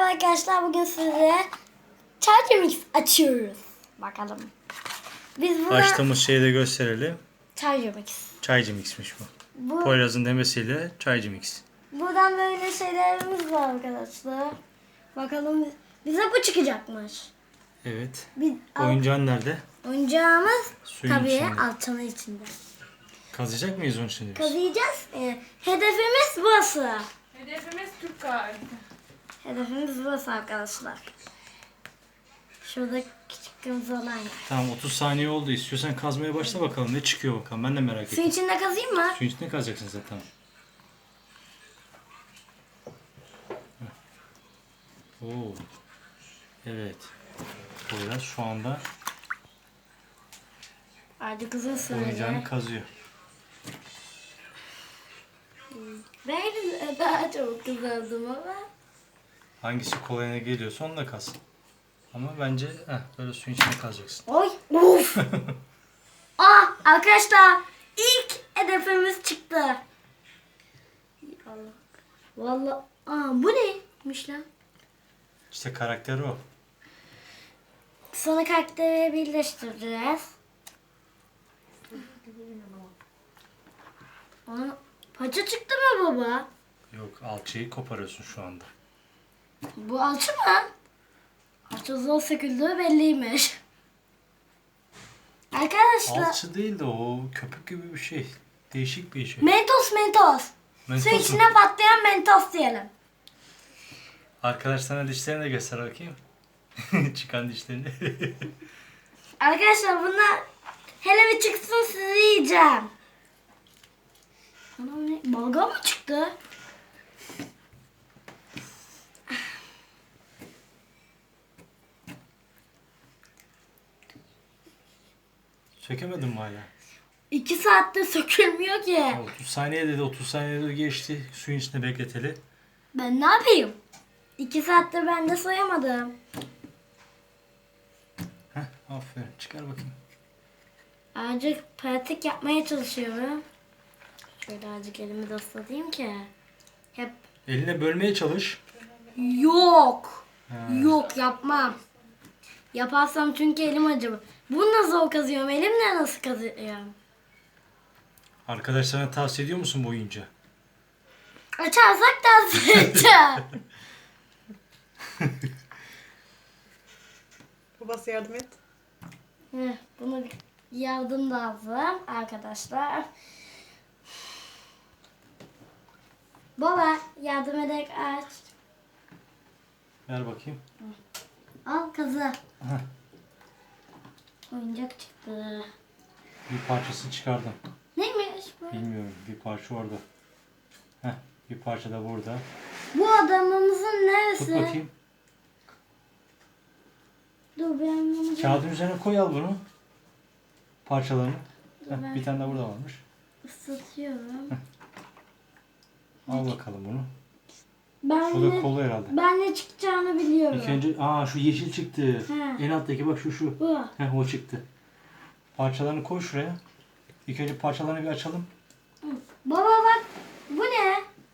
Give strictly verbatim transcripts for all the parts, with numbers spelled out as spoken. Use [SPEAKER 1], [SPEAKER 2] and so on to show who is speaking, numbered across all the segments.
[SPEAKER 1] arkadaşlar, bugün size Charger Mix açıyoruz. Bakalım. Biz burada
[SPEAKER 2] Açtığımız şeyi de gösterelim.
[SPEAKER 1] Charger Mix.
[SPEAKER 2] Çaycı mixmiş bu.
[SPEAKER 1] Bu,
[SPEAKER 2] Poyraz'ın demesiyle çaycı mix.
[SPEAKER 1] buradan böyle şeylerimiz var arkadaşlar. Bakalım bize bu çıkacakmış.
[SPEAKER 2] Evet.
[SPEAKER 1] Bir,
[SPEAKER 2] Oyuncağın nerede?
[SPEAKER 1] oyuncağımız
[SPEAKER 2] Suyun
[SPEAKER 1] tabii
[SPEAKER 2] içinde.
[SPEAKER 1] altının içinde.
[SPEAKER 2] Kazıyacak mıyız onun şimdi biz?
[SPEAKER 1] Kazıyacağız. Ee, hedefimiz burası.
[SPEAKER 3] Hedefimiz Türk kahvesi.
[SPEAKER 1] Hedefimiz burası arkadaşlar. Şurada küçük kırmızı olan yer.
[SPEAKER 2] Tamam, otuz saniye oldu. İstiyorsan kazmaya başla bakalım. Ne çıkıyor bakalım. Ben de merak
[SPEAKER 1] Suyun
[SPEAKER 2] ettim.
[SPEAKER 1] içinde kazıyım mı?
[SPEAKER 2] Suyun içinde kazacaksın zaten. Oo. Evet. Poyraz şu anda
[SPEAKER 1] Hadi kızın
[SPEAKER 2] oyuncağını
[SPEAKER 1] söyle.
[SPEAKER 2] kazıyor.
[SPEAKER 1] Ben daha çok kızardım ama.
[SPEAKER 2] Hangisi kolayına geliyorsa onu da kaz. Ama bence heh, böyle suyun içine kazacaksın.
[SPEAKER 1] Oy. Uf. Ah arkadaşlar, ilk hedefimiz çıktı. Allah. Vallahi. Aa bu neymiş lan?
[SPEAKER 2] İşte karakteri o.
[SPEAKER 1] Sonra karakteri birleştireceğiz. Aa, paça çıktı mı baba?
[SPEAKER 2] Yok, alçıyı koparıyorsun şu anda.
[SPEAKER 1] Bu alçı mı? Alçı zor söküldüğü belliymiş. Arkadaşlar.
[SPEAKER 2] Alçı değil de o köpük gibi bir şey. Değişik bir şey.
[SPEAKER 1] Mentos mentos.
[SPEAKER 2] Mentos
[SPEAKER 1] Su
[SPEAKER 2] mu?
[SPEAKER 1] içine patlayan mentos diyelim.
[SPEAKER 2] Arkadaş sana dişlerini de göster bakayım. Çıkan dişlerini.
[SPEAKER 1] Arkadaşlar bunlar hele bir çıksın sizi yiyeceğim. Ana ne? Balgam mı çıktı?
[SPEAKER 2] Sökemedin mi hala?
[SPEAKER 1] İki saatte sökülmüyor ki.
[SPEAKER 2] otuz saniye dedi, otuz saniye dedi geçti. Suyun içinde bekleteli.
[SPEAKER 1] Ben ne yapayım? İki saattir ben de soyamadım.
[SPEAKER 2] Heh, aferin. Çıkar bakayım.
[SPEAKER 1] Azıcık pratik yapmaya çalışıyorum. Şöyle azıcık elimi de ıslatayım ki. Hep
[SPEAKER 2] Eline bölmeye çalış.
[SPEAKER 1] yok.
[SPEAKER 2] Ha.
[SPEAKER 1] Yok yapmam. Yaparsam çünkü elim acır. Bunu nasıl zor kazıyorum? Elimle nasıl kazıyorum?
[SPEAKER 2] Arkadaşlarına tavsiye ediyor musun bu oyuncağı?
[SPEAKER 1] Açarsak tavsiye edeceğim.
[SPEAKER 3] Babası yardım et.
[SPEAKER 1] Heh, bunu bir yardım lazım arkadaşlar. Baba yardım ederek aç.
[SPEAKER 2] Ver bakayım.
[SPEAKER 1] Al kazı.
[SPEAKER 2] Heh,
[SPEAKER 1] Oyuncak çıktı.
[SPEAKER 2] bir parçasını çıkardım.
[SPEAKER 1] Neymiş bu?
[SPEAKER 2] Bilmiyorum. Bir parça orada. Heh, bir parça da burada.
[SPEAKER 1] Bu adamımızın neresi?
[SPEAKER 2] Tut bakayım.
[SPEAKER 1] Dur ben bunu
[SPEAKER 2] Kağıdın üzerine koy, al bunu. Parçalarını.
[SPEAKER 1] Dur
[SPEAKER 2] Heh,
[SPEAKER 1] ben-
[SPEAKER 2] bir tane de burada varmış.
[SPEAKER 1] ıslatıyorum.
[SPEAKER 2] Al bakalım bunu.
[SPEAKER 1] Ben
[SPEAKER 2] Bu da
[SPEAKER 1] ne,
[SPEAKER 2] kolu herhalde.
[SPEAKER 1] ben ne çıkacağını biliyorum.
[SPEAKER 2] İlk önce aa şu yeşil çıktı.
[SPEAKER 1] He.
[SPEAKER 2] En alttaki bak şu şu.
[SPEAKER 1] Bu.
[SPEAKER 2] Heh, o çıktı. Parçalarını koy şuraya. İlk önce parçalarını bir açalım.
[SPEAKER 1] Baba bak bu ne?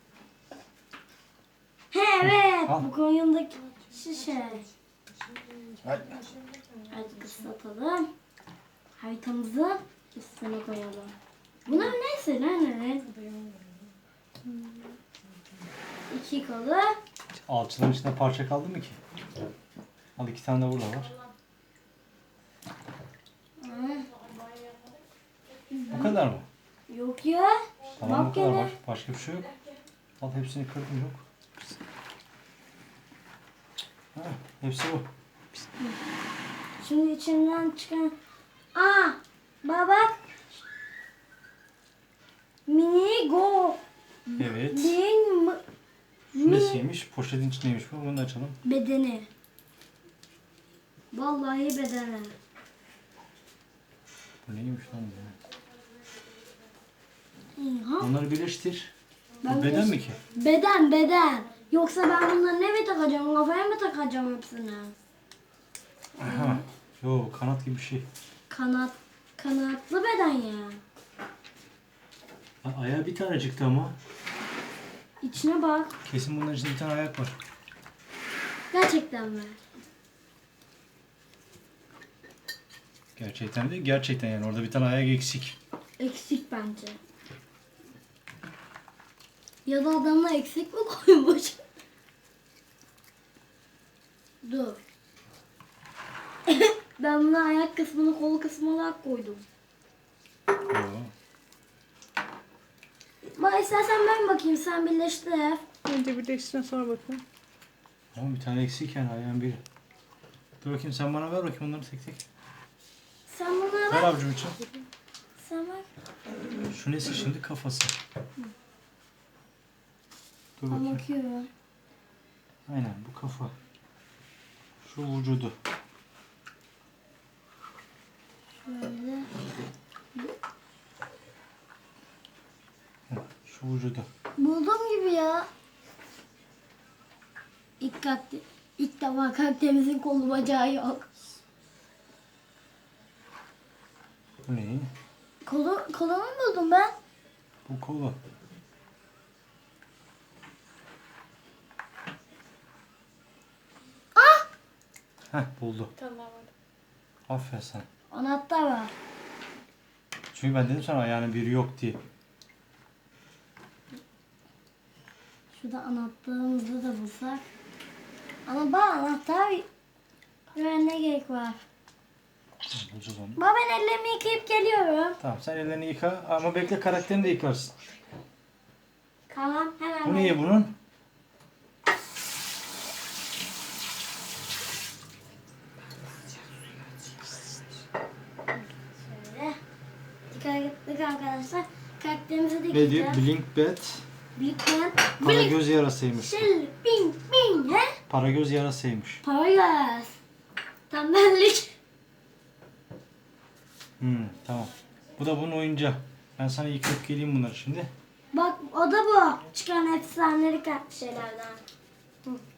[SPEAKER 1] He evet
[SPEAKER 2] Al.
[SPEAKER 1] bu koyundaki şişe. Hadi ıslatalım. Haritamızı üstüne koyalım. Bunlar neyse lan evet. İki kolu.
[SPEAKER 2] Alçıların içinde parça kaldı mı ki? Al, iki tane de burada var. Bu kadar mı?
[SPEAKER 1] Yok ya.
[SPEAKER 2] Tamam, bu
[SPEAKER 1] Bak
[SPEAKER 2] kadar
[SPEAKER 1] gene.
[SPEAKER 2] var. Başka bir şey yok. Al, hepsini kırdım, yok. Ha, hepsi bu.
[SPEAKER 1] Şimdi içinden çıkan... Aa! Baba bak. Mini go.
[SPEAKER 2] Evet.
[SPEAKER 1] Bin mi- mi-
[SPEAKER 2] Nesiymiş? Poşetin içindeymiş bu. Bunu da açalım.
[SPEAKER 1] bedeni. Vallahi bedeni.
[SPEAKER 2] Bu neymiş lan bu?
[SPEAKER 1] Ha?
[SPEAKER 2] Bunları birleştir.
[SPEAKER 1] Ben
[SPEAKER 2] Bu beden
[SPEAKER 1] birleş-
[SPEAKER 2] mi ki?
[SPEAKER 1] Beden beden. Yoksa ben bunları ne mi takacağım? Kafaya mı takacağım hepsini?
[SPEAKER 2] Aha. Yo, kanat gibi bir şey.
[SPEAKER 1] Kanat. Kanatlı beden ya.
[SPEAKER 2] Ha, ayağı bir tane çıktı ama.
[SPEAKER 1] İçine bak.
[SPEAKER 2] Kesin bunların içinde bir tane ayak var.
[SPEAKER 1] Gerçekten mi?
[SPEAKER 2] Gerçekten değil, gerçekten yani orada bir tane ayak eksik.
[SPEAKER 1] Eksik bence. Ya da adamla eksik mi koymuş? Dur. Ben buna ayak kısmını kol kısmı olarak koydum.
[SPEAKER 2] Oo.
[SPEAKER 1] Bak istersen ben bakayım, sen birleştir.
[SPEAKER 3] Önce birleştirin sonra bakın.
[SPEAKER 2] Ama bir tane eksik yani ayağın biri. Dur bakayım sen bana ver bakayım onları tek tek.
[SPEAKER 1] Sen buna
[SPEAKER 2] Ver
[SPEAKER 1] bak.
[SPEAKER 2] avucum için.
[SPEAKER 1] Sen bak.
[SPEAKER 2] Şu nesi şimdi kafası. Dur
[SPEAKER 1] Ben
[SPEAKER 2] bakayım.
[SPEAKER 1] bakıyorum.
[SPEAKER 2] Aynen bu kafa. Şu vücudu.
[SPEAKER 1] Böyle.
[SPEAKER 2] Şu vücudu.
[SPEAKER 1] Buldum gibi ya. İlk, kalkti, ilk defa kalptemizin kolu bacağı yok.
[SPEAKER 2] Bu neyi?
[SPEAKER 1] Kolu, kolumu buldum ben.
[SPEAKER 2] Bu kolu.
[SPEAKER 1] Ah!
[SPEAKER 2] Heh buldu.
[SPEAKER 3] Tamam.
[SPEAKER 2] Aferin sana.
[SPEAKER 1] Anahtar var.
[SPEAKER 2] Çünkü ben dedim sana ayağının biri yok diye.
[SPEAKER 1] Şurada anahtarımızı da bulsak. Ama bana anahtar ne gerek var?
[SPEAKER 2] Bulacağız onu.
[SPEAKER 1] Baba ben ellerimi yıkayıp geliyorum.
[SPEAKER 2] Tamam sen ellerini yıka ama bekle karakterini de yıkarsın.
[SPEAKER 1] Tamam hemen.
[SPEAKER 2] Bu niye bunun?
[SPEAKER 1] Şöyle. Dikkatli arkadaşlar. Karakterimizi de
[SPEAKER 2] Ne diyor?
[SPEAKER 1] yıkayacağız.
[SPEAKER 2] Blink Bat.
[SPEAKER 1] Bilkmen.
[SPEAKER 2] Para göz yarasıymış.
[SPEAKER 1] Şil, bing, bing, he?
[SPEAKER 2] Para göz yarasıymış.
[SPEAKER 1] Para göz. Tembellik.
[SPEAKER 2] Hmm, tamam. Bu da bunun oyuncağı. Ben sana yıkayıp geleyim bunları şimdi.
[SPEAKER 1] Bak o da bu. Çıkan efsanelik şeylerden. Hı.